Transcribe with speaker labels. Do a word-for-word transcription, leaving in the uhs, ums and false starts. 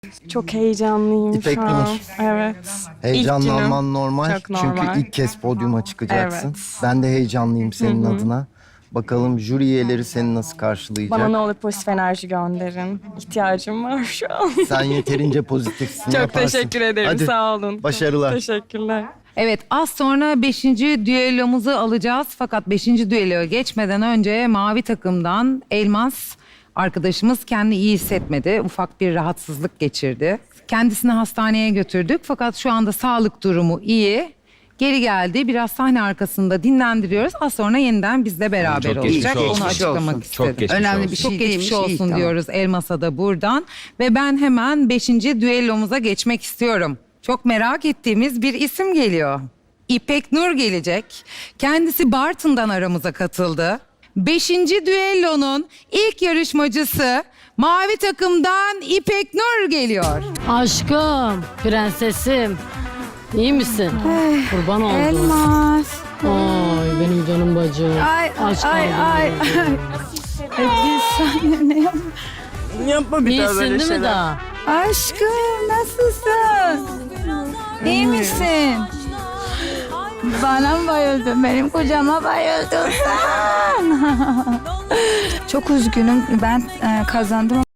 Speaker 1: Çok heyecanlıyım
Speaker 2: İpek
Speaker 1: şu an.
Speaker 2: Nur.
Speaker 1: Evet.
Speaker 2: Heyecanlanman normal.
Speaker 1: Çok normal.
Speaker 2: Çünkü ilk kez podyuma çıkacaksın.
Speaker 1: Evet.
Speaker 2: Ben de heyecanlıyım senin adına. Bakalım jüri üyeleri seni nasıl karşılayacak?
Speaker 1: Bana ne olur pozitif enerji gönderin. İhtiyacım var şu an.
Speaker 2: Sen yeterince pozitifsin.
Speaker 1: Çok
Speaker 2: yaparsın.
Speaker 1: teşekkür ederim.
Speaker 2: Hadi.
Speaker 1: Sağ olun.
Speaker 2: Başarılar.
Speaker 1: Teşekkürler.
Speaker 3: Evet, az sonra beşinci düellomuzu alacağız. Fakat beşinci düelloya geçmeden önce mavi takımdan Elmas arkadaşımız kendi iyi hissetmedi. Ufak bir rahatsızlık geçirdi. Kendisini hastaneye götürdük fakat şu anda sağlık durumu iyi. Geri geldi. Biraz sahne arkasında dinlendiriyoruz. Az sonra yeniden bizle beraber
Speaker 4: Çok geçmiş
Speaker 3: olacak.
Speaker 4: olsun.
Speaker 3: Onu açıklamak
Speaker 4: Çok
Speaker 3: istedim.
Speaker 4: geçmiş
Speaker 5: Önemli
Speaker 4: olsun.
Speaker 5: bir
Speaker 3: Çok
Speaker 5: şey
Speaker 3: geçmiş
Speaker 5: değilmiş.
Speaker 3: olsun
Speaker 5: iyi, tamam.
Speaker 3: diyoruz Elmas'a da buradan. Ve ben hemen beşinci düellomuza geçmek istiyorum. Çok merak ettiğimiz bir isim geliyor. İpek Nur gelecek. Kendisi Bartın'dan aramıza katıldı. Beşinci düellonun ilk yarışmacısı mavi takımdan İpek Nur geliyor.
Speaker 6: Aşkım, prensesim. İyi misin? Kurban oldum.
Speaker 7: Elmas.
Speaker 6: Ay benim canım bacım.
Speaker 7: Ay
Speaker 6: Aşk
Speaker 7: ay
Speaker 6: kalbim
Speaker 7: ay.
Speaker 6: benim.
Speaker 7: E, bir saniye ne yap?
Speaker 5: Yapma bir daha
Speaker 6: İyisin
Speaker 5: böyle
Speaker 6: değil mi
Speaker 5: şeyler.
Speaker 6: daha?
Speaker 7: Aşkım nasılsın? İyi misin? Bana mı bayıldın? Benim kocama bayıldın sen. Çok üzgünüm. Ben e, kazandım.